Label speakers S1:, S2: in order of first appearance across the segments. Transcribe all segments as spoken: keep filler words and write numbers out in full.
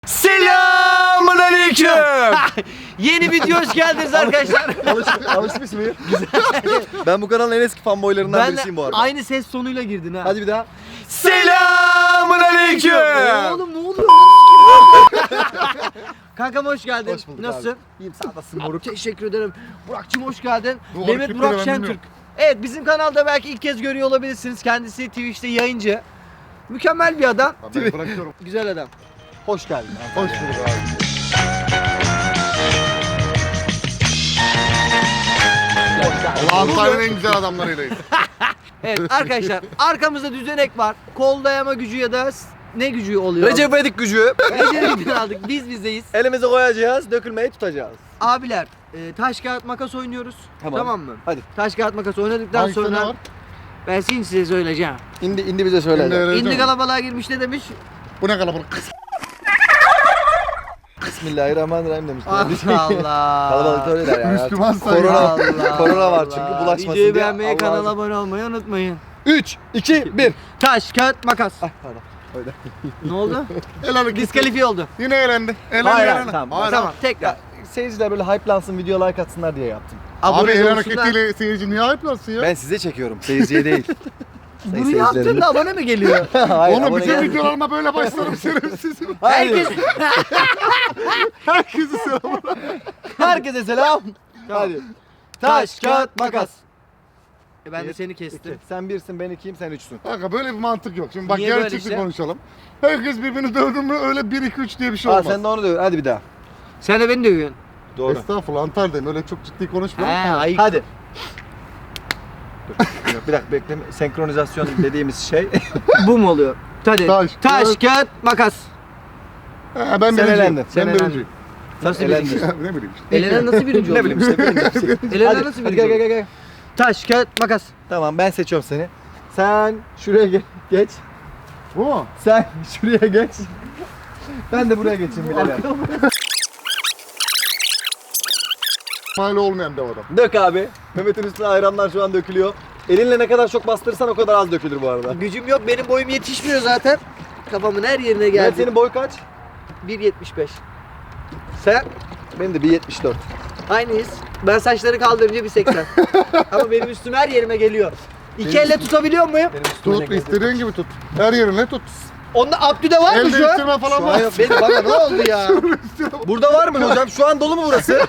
S1: Selamünaleyküm. Yeni video hoş geldiniz arkadaşlar.
S2: Alışmış, alışmış mıyım? Ben bu kanalın en eski fanboylarından
S1: Ben
S2: birisiyim bu arada.
S1: aynı ses tonuyla girdin ha.
S2: Hadi bir daha.
S1: Selamünaleyküm. Oğlum ne oluyor lan? Kankam hoş geldin.
S2: Hoş bulduk
S1: Nasılsın?
S2: abi. İyiyim, sağ olasın moruk.
S1: Teşekkür ederim. Burak'cığım hoş geldin.
S3: Bu
S1: Mehmet
S3: hareketleri
S1: Burak
S3: ben
S1: Şentürk.
S3: bilmiyorum.
S1: Evet, bizim kanalda belki ilk kez görüyor olabilirsiniz. Kendisi Twitch'te yayıncı. Mükemmel bir adam.
S3: Ben bırakıyorum.
S1: Güzel adam.
S2: Hoş geldin.
S3: Hoş bulduk abi. Allah Antalya'nın en güzel adamlarıylayız.
S1: Evet arkadaşlar, arkamızda düzenek var. Kol dayama gücü ya da s- ne gücü oluyor?
S2: Recep İvedik gücü.
S1: Recep'ten aldık. Biz bizdeyiz.
S2: Elimize koyacağız, dökülmeyi tutacağız.
S1: Abiler, e, taş kağıt makas oynuyoruz.
S2: Tamam.
S1: Tamam mı?
S2: Hadi.
S1: Taş kağıt makas oynadıktan
S3: Hangisinde
S1: sonra
S3: var?
S1: ben şimdi size söyleyeceğim.
S2: İndi, indi bize söyle.
S3: İndi, evet.
S1: İndi kalabalığa girmiş ne demiş?
S3: Bu ne kalabalık?
S2: Bismillahirrahmanirrahim demişler.
S1: Allah Allah.
S2: Kalabalık öyle der yani. artık.
S3: Müslüman sayıyor.
S2: Korona,
S1: Allah
S2: korona var
S1: Allah.
S2: çünkü bulaşmasın
S1: Videoyu
S2: diye.
S1: beğenmeyi,
S2: Allah
S1: kanala
S2: razı-
S1: abone olmayı unutmayın.
S2: üç, iki, bir.
S1: Taş kağıt makas.
S2: Ay pardon. Öyle.
S1: Ne oldu?
S3: El hareketi.
S1: Diskalifiye oldu.
S3: Yine eğlendi. Eğlendi,
S2: Hayır,
S3: eğlendi.
S2: tamam.
S3: Hayır,
S1: Tamam tekrar.
S2: Ya, seyirciler böyle hype'lansın, video like atsınlar diye yaptım.
S3: Abi
S1: Abone
S3: el
S1: olsunlar.
S3: hareketiyle seyirci niye ayıplarsın ya?
S2: Ben size çekiyorum, seyirciye değil. Sayın
S1: Bunu yaptığında abone mi geliyor?
S2: Hayır,
S3: Oğlum
S2: abone
S3: bütün
S2: gelmiyor.
S3: videolarıma böyle başlarım şerefsizim.
S2: Hayır.
S1: Herkes
S3: Herkesi selam.
S2: Herkese selam. Hadi. Taş, kağıt, makas.
S1: E ben de
S2: Bir,
S1: seni kestim.
S2: İki. Sen birsin, ben ikiyim, sen üçsün.
S3: Kanka böyle bir mantık yok. Şimdi bak
S1: Niye böyle
S3: gerçekçi
S1: işte?
S3: konuşalım. Herkes birbirini dövdü mü öyle bir iki üç diye bir şey
S2: Aa,
S3: olmaz.
S2: sen de onu diyor. Hadi bir daha.
S1: Sen de beni dövüyorsun.
S2: Doğru.
S3: Estağfurullah Antalya'dayım öyle çok ciddi konuşma.
S1: He ayıp.
S2: Hadi. Dur, bir dakika bekle. Senkronizasyon dediğimiz şey.
S1: Bu mu oluyor? Hadi.
S3: Taş,
S1: Taş,
S3: kağıt-
S1: kağıt, makas.
S3: He, ben
S2: Sen
S3: birinciyim.
S2: elendin.
S1: Sen
S3: Ben
S1: elendin.
S3: birinciyim.
S1: Nasıl
S2: Elendin.
S1: birinci?
S3: ne bileyim işte.
S1: Elenen nasıl birinci
S2: ne
S1: oldu?
S2: bileyim işte. birinci.
S1: Elenen
S2: hadi,
S1: nasıl
S2: hadi
S1: birinci
S2: gel gel
S1: oldu?
S2: gel. gel.
S1: Taş, kağıt, makas.
S2: Tamam ben seçiyorum seni. Sen şuraya ge- geç.
S3: Bu mu?
S2: Sen şuraya geç. Ben de buraya geçeyim birader.
S3: Mal olmayan dev adam.
S2: Dök abi. Mehmet'in üstüne ayranlar şu an dökülüyor. Elinle ne kadar çok bastırırsan o kadar az dökülür bu arada.
S1: Gücüm yok, benim boyum yetişmiyor zaten. Kafamın her yerine
S2: Mehmet
S1: geldi.
S2: senin boy kaç?
S1: bir yetmiş beş. Sen?
S2: Benim de bir yetmiş dört.
S1: Aynıyız. Ben saçları kaldırınca bir seksen. Ama benim üstüm her yerime geliyor. İki elle tutabiliyor muyum?
S2: Benim üstüme
S3: Tut
S2: ne
S3: istediğin gibi tut. Her yerine tut.
S1: Onda Abdü'de var mı
S3: El
S1: şu an?
S3: değiştirme falan
S1: Şu an
S3: var.
S1: yok. Benim bana ne oldu ya?
S2: Burada var mı hocam? Şu an dolu mu burası?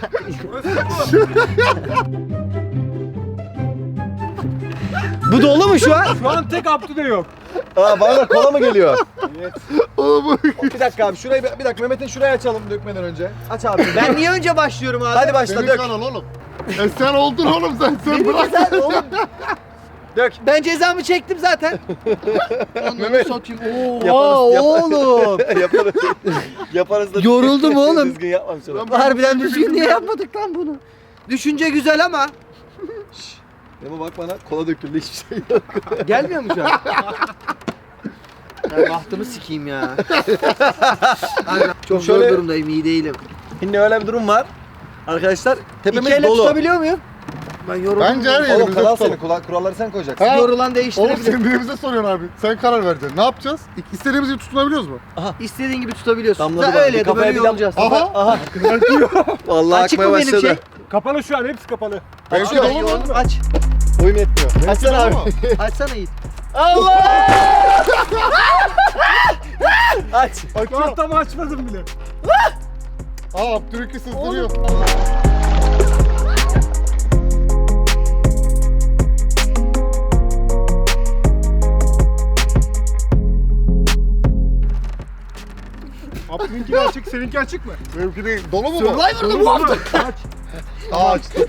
S1: Bu dolu mu şu an?
S4: Şu an tek Abdü'de yok.
S2: Aa bana da kola mı geliyor?
S3: Oğlum
S2: Bir dakika abi şurayı bir dakika Mehmet'in şurayı açalım dökmeden önce. Aç abi.
S1: Ben niye önce başlıyorum abi?
S2: Hadi başla
S3: senin
S2: dök.
S3: kanal oğlum. E sen oldun oğlum sen. Sen
S1: Benim
S3: bırak.
S1: güzel oğlum.
S2: Dök.
S1: Ben cezamı çektim zaten.
S2: Mehmet.
S1: Sokayım.
S2: Yaparız,
S1: Oha
S2: yaparız.
S1: oğlum.
S2: yaparız. Yaparız da.
S1: Yoruldum oğlum.
S2: Düzgün yapmamış oğlum.
S3: Ben-
S1: Harbiden düzgün niye yapmadık lan bunu? Düşünce güzel ama
S2: Ama bak bana kola döküldü hiçbir şey yok.
S1: gelmiyor mu şu an? Ben bahtımı sikeyim ya. Çok
S2: Şöyle-
S1: zor durumdayım, iyi değilim.
S2: Şimdi öyle bir durum var. Arkadaşlar tepemiz
S1: İki elle
S2: dolu.
S1: tutabiliyor muyum? Ben yoruldum.
S3: Bence her
S2: Oğlum
S3: yerimize
S2: kanal
S3: tutalım.
S2: senin. Kula- Kuralları sen koyacaksın.
S3: Ha?
S1: Yorulan
S3: Oğlum
S1: değiştirebilirim.
S3: sen birbirimize soruyorsun abi. Sen karar vereceksin. Ne yapacağız? İstediğimiz gibi tutunabiliyoruz mu?
S1: İstediğin gibi tutabiliyorsun.
S2: Damladı
S1: Da
S2: bana.
S1: öyle
S2: Bir
S1: ya da
S2: kafaya
S1: böyle
S2: bir dam-
S1: yorulacağız.
S3: Aha.
S2: Aha. Vallahi
S1: Açık
S2: akmaya
S1: mı benim
S2: başladı.
S1: şey?
S4: Kapalı şu an, hepsi kapalı.
S3: Benimki
S1: Açıyor,
S3: dolu mu?
S1: yoğun. Aç.
S2: Boyum yetmiyor. Açsana abi.
S3: Dolu mu?
S1: Açsana Yiğit.
S2: Allah! Aç.
S4: Daha tam açmadım bile.
S3: Aa Abdülhükü sızdırıyor.
S4: Abdü'nünki açık, seninki açık mı?
S3: Benimki değil. Dolu mu bu?
S1: Survivor'da bu hafta.
S4: Aç.
S3: Aa açtım.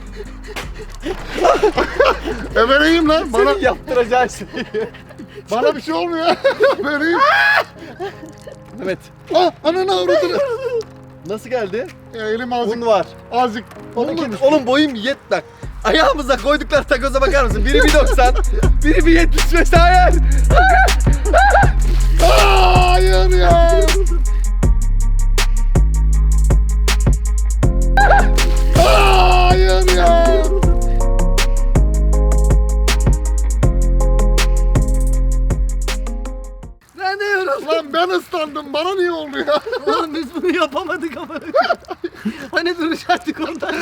S3: e ben iyiyim lan. Bana,
S2: Senin yaptıracağı şey.
S3: bana bir şey olmuyor. Ben iyiyim.
S2: Mehmet.
S3: Ah ananı avradını.
S2: Nasıl geldi?
S3: Ya elim azıcık.
S2: Un var.
S3: Azıcık.
S2: Oğlum,
S3: Oğlum,
S2: oğlum boyum yet bak. Ayağımıza koydukları takoza bakar mısın? Biri bir doksan, biri bir yetmiş beş. Hayır.
S3: hayır ya. Hayır ya.
S1: Ben de yoruldum.
S3: Lan ben ıslandım. Bana niye oldu ya?
S1: Oğlum biz bu Bunu yapamadık ama. Hani duracaktık ondan.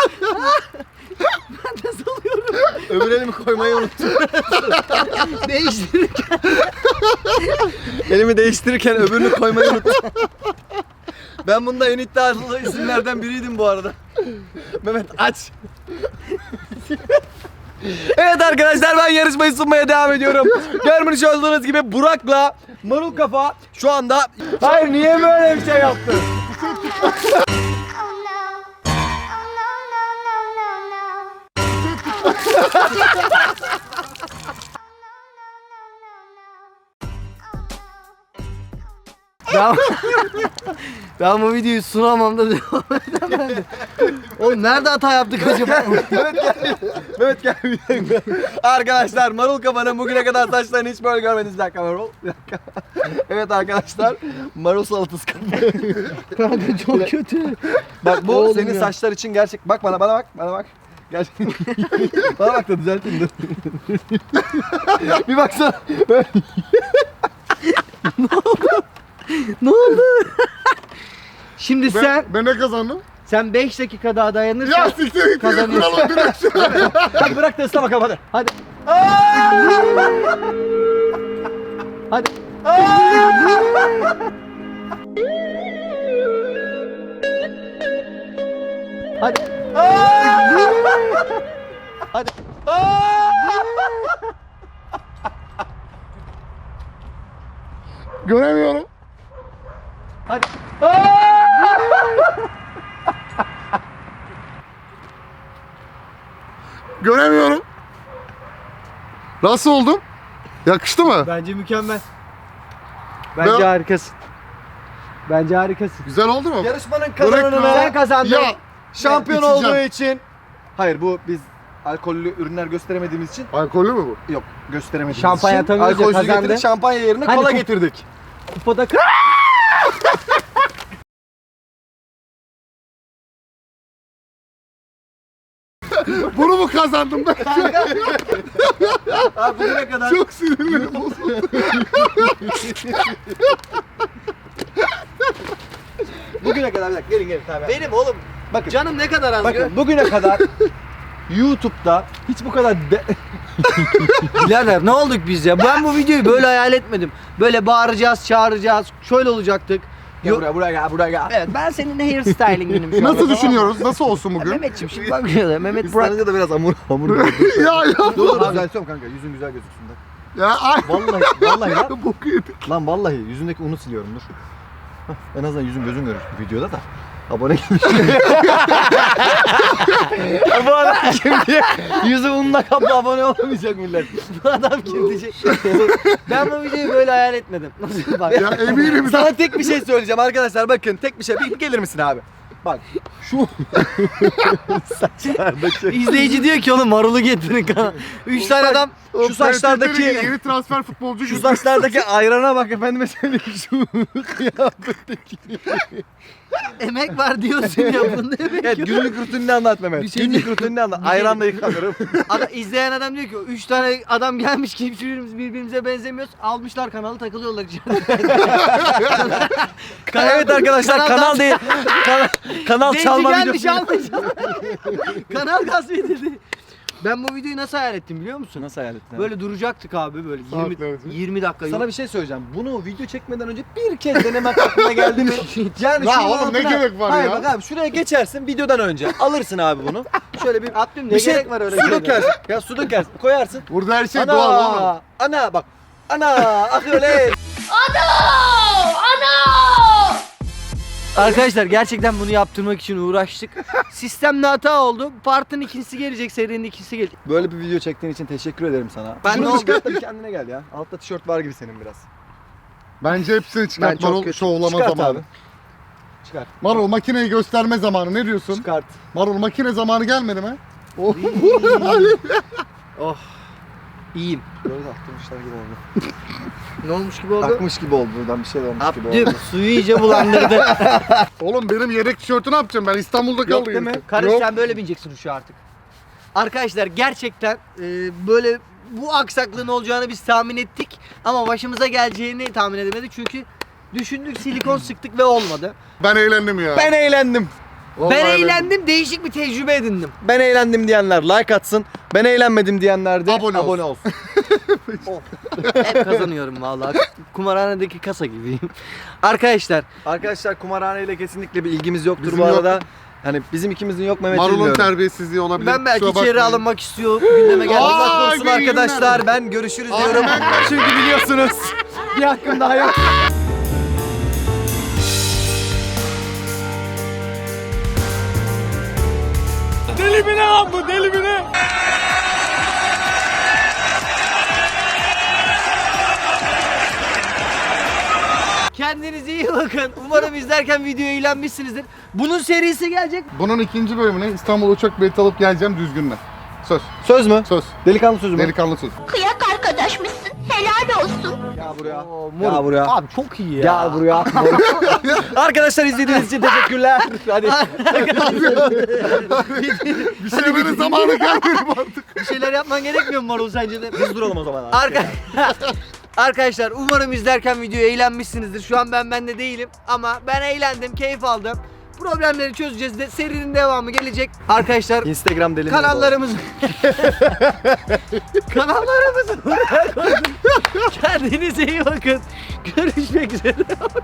S1: Ben de salıyorum.
S2: Öbür elimi koymayı unuttum.
S1: Değiştirirken.
S2: Elimi değiştirirken öbürünü koymayı unuttum. Ben bunda en iddialı isimlerden biriydim bu arada. Mehmet aç. Evet arkadaşlar, ben yarışmayı sunmaya devam ediyorum. Görmüş olduğunuz gibi Burak'la Marul Kafa şu anda... Hayır, niye böyle bir şey yaptın?
S5: Oh no. Oh no. Oh no, no, no, no, no.
S1: Ben, ben bu videoyu sunamam da devam edemedim. Oğlum nerede hata yaptık acaba?
S2: Mehmet gel. Mehmet gel bir dakika. Arkadaşlar, Marul Kafa'nın bugüne kadar saçlarını hiç böyle görmediniz. Bir dakika Marul. Bir dakika. Evet arkadaşlar, Marul salatası kafa.
S1: Kanka çok kötü.
S2: Bak bu
S1: Oğlum
S2: senin
S1: ya.
S2: saçlar için gerçek. Bak bana, bana bak, bana bak. Gerçekten. Bana bak da düzelteyim de. Bir baksana.
S1: Ne oldu? Şimdi sen
S3: Ben, ben ne kazandım?
S1: sen beş dakika daha dayanırsan
S3: Ya siktir git.
S1: kazanıyorsun.
S3: Kuralım direkt şuna.
S2: Hadi bırak da ısla bakalım hadi.
S1: Hadi. Hadi. Hadi. Hadi.
S3: Göremiyorum.
S1: Hadi.
S3: Göremiyorum. Nasıl oldum? Yakıştı mı?
S1: Bence mükemmel. Bence
S3: Ben-
S1: harikasın. Bence harikasın.
S3: Güzel oldu mu?
S2: Yarışmanın
S3: Börek
S2: kazananına
S1: Sen kazandın.
S3: Ya
S2: şampiyon
S3: içeceğim.
S2: olduğu için. Hayır, bu biz alkollü ürünler gösteremediğimiz için.
S3: alkollü mü bu?
S2: Yok, gösteremediğimiz
S1: Şampanya
S2: için.
S1: tabii ki
S2: Alkolsüz
S1: kazandı.
S2: getirdik, şampanya yerine
S1: Hani
S2: kola
S1: ku-
S2: getirdik.
S1: Kupada kır.
S3: Bunu mu kazandım ben?
S2: Abi bugüne kadar
S3: Çok sinirlerim bozuldu.
S2: bugüne kadar bir dakika gelin gelin tabii.
S1: Benim oğlum.
S2: Bakın.
S1: Canım ne kadar az.
S2: Bakın bugüne kadar YouTube'da hiç bu kadar de-
S1: Birader ne olduk biz ya? Ben bu videoyu böyle hayal etmedim. Böyle bağıracağız, çağıracağız. Şöyle olacaktık.
S2: Gel buraya buraya gel buraya gel.
S1: Evet, ben senin hair stylinginim şu
S3: Nasıl
S1: anda.
S3: düşünüyoruz? Nasıl olsun bugün?
S1: Mehmetciğim şimdi bak şöyle. Mehmet
S2: Biz
S1: Burak.
S2: sanınca da biraz hamur hamur.
S3: ya ya.
S2: Dur dur düzeltiyorum kanka, yüzün güzel gözüksün de.
S3: Ya ay.
S2: Vallahi vallahi lan.
S3: Boku yedik.
S2: Lan vallahi yüzündeki unu siliyorum dur. Hah, en azından yüzün gözün görür videoda da. Abone gelmiş. Bu adam kim diye yüzü unla kaplı abone olamayacak millet.
S1: Bu adam kim diyecek? Ben bu videoyu böyle hayal etmedim. Nasıl bak?
S3: Ya eminim.
S2: Sana tek bir şey söyleyeceğim arkadaşlar, bakın tek bir şey. Bir gelir misin abi? Bak şu saçlardaki
S1: İzleyici diyor ki oğlum marulu getirin kana. Üç tane adam
S3: O
S2: şu saçlardaki-
S3: P S T'deki yeni transfer futbolcu
S2: şu
S3: gibi.
S2: saçlardaki ayrana bak efendime söyleyeyim, şu kıyafetteki.
S1: emek var diyorsun ya bunda emek
S2: Evet,
S1: yok.
S2: günlük rutinini anlat Mehmet.
S1: Bir şey
S2: günlük
S1: diyeyim.
S2: rutinini anlat.
S1: Bir şey
S2: Ayranla
S1: diyeyim.
S2: yıkanırım.
S1: Adam, izleyen adam diyor ki üç tane adam gelmiş ki hiçbirimiz birbirimize benzemiyoruz. Almışlar kanalı takılıyorlar içeride.
S2: Evet arkadaşlar, kanal değil. Kanal, kanal
S1: Zenci
S2: çalma
S1: gelmiş
S2: videosu.
S1: almış. Kanal gasp edildi. Ben bu videoyu nasıl hayal ettim biliyor musun?
S2: Nasıl hayal ettin?
S1: Böyle duracaktık abi böyle yirmi,
S3: Saatlerce.
S1: yirmi dakika.
S2: Sana bir şey söyleyeceğim. Bunu video çekmeden önce bir kez denemek aklına geldi mi? Yani
S3: Ya
S2: şunun
S3: oğlum ne
S2: altına-
S3: gerek var
S2: Hayır
S3: ya?
S2: bak abi, şuraya geçersin videodan önce. Alırsın abi bunu. Şöyle bir
S1: Abdüm ne
S2: bir şey,
S1: gerek var öyle
S2: su
S1: şeylere?
S2: dökersin. Ya su dökersin. Koyarsın.
S3: Burada her şey
S2: Ana,
S3: doğal oğlum.
S2: ana bak. Ana akıyor öyle.
S1: Arkadaşlar gerçekten bunu yaptırmak için uğraştık. Sistemde hata oldu. Partın ikincisi gelecek, serinin ikincisi gelecek.
S2: Böyle bir video çektiğin için teşekkür ederim sana.
S1: Ben
S2: Şunu
S1: ne oldu?
S2: çıkart da bir kendine gel ya. Altta tişört var gibi senin biraz.
S3: Bence hepsini
S2: Ben
S3: çıkart.
S2: çok
S3: Marul
S2: kötü.
S3: şovlama
S2: Çıkart
S3: zamanı.
S2: abi. Çıkar.
S3: Marul makineyi gösterme zamanı. Ne diyorsun?
S2: Çıkart.
S3: Marul makine zamanı gelmedi mi? Oh.
S1: Oh. İyiyim.
S2: Böyle aktırmışlar gibi oldu.
S1: Ne olmuş gibi oldu?
S2: Akmış gibi oldu, buradan bir şey olmuş gibi oldu.
S1: Abdüm suyu iyice bulandırdı.
S3: Oğlum benim yedek tişörtü ne yapacağım? Ben İstanbul'da kaldım.
S2: değil mi?
S1: Kardeş
S3: Yok.
S1: sen böyle bineceksin şu artık. Arkadaşlar gerçekten e, böyle bu aksaklığın olacağını biz tahmin ettik ama başımıza geleceğini tahmin edemedik çünkü Düşündük, silikon sıktık ve olmadı.
S3: Ben eğlendim ya.
S2: Ben eğlendim.
S3: Vallahi
S1: Ben eğlendim, değişik bir tecrübe edindim.
S2: Ben eğlendim diyenler like atsın. Ben eğlenmedim diyenler de
S3: Abone
S2: abone,
S3: olsun.
S2: olsun.
S1: Hep kazanıyorum vallahi. Kumarhanedeki kasa gibiyim. Arkadaşlar,
S2: Arkadaşlar kumarhaneyle kesinlikle bir ilgimiz yoktur
S3: Bizim
S2: bu
S3: yok.
S2: arada. Hani bizim ikimizin yok Mehmet'i
S3: Marul'un
S2: bilmiyorum.
S3: terbiyesizliği olabilir.
S1: ben belki
S3: kusura
S1: içeri
S3: bakmayın.
S1: alınmak istiyor, gündeme geldi.
S3: Aa,
S2: Allah korusun
S3: iyi günler.
S2: arkadaşlar, ben görüşürüz
S3: Aa,
S2: diyorum.
S3: ben-
S2: Çünkü biliyorsunuz bir hakkım daha yok.
S4: Deli mi ne lan bu? Deli mi ne?
S1: Kendinize iyi bakın. Umarım izlerken videoyu eğlenmişsinizdir. Bunun serisi gelecek.
S3: Bunun ikinci bölümüne İstanbul uçak bileti alıp geleceğim düzgünle. Söz.
S2: Söz mü?
S3: Söz.
S2: Delikanlı sözü mü?
S3: Delikanlı söz.
S5: Kıyak arkadaşmışsın. Helal olsun.
S2: Gel buraya.
S1: Oo,
S2: Gel
S1: moruk.
S2: buraya.
S1: Abi çok iyi ya.
S2: Gel buraya. Arkadaşlar izlediğiniz için teşekkürler. Hadi.
S3: Bir şeylerin zamanı gelmedi artık.
S1: Bir şeyler yapman gerekmiyor mu Marul sence de?
S2: Biz duralım o zaman abi.
S1: Arka... Arkadaşlar umarım izlerken videoyu eğlenmişsinizdir. Şu an ben bende değilim ama ben eğlendim, keyif aldım. Problemleri çözeceğiz de serinin devamı gelecek. Arkadaşlar
S2: Instagram deli.
S1: kanallarımız kanallarımızı buraya koydum. Kendinize iyi bakın. Görüşmek üzere.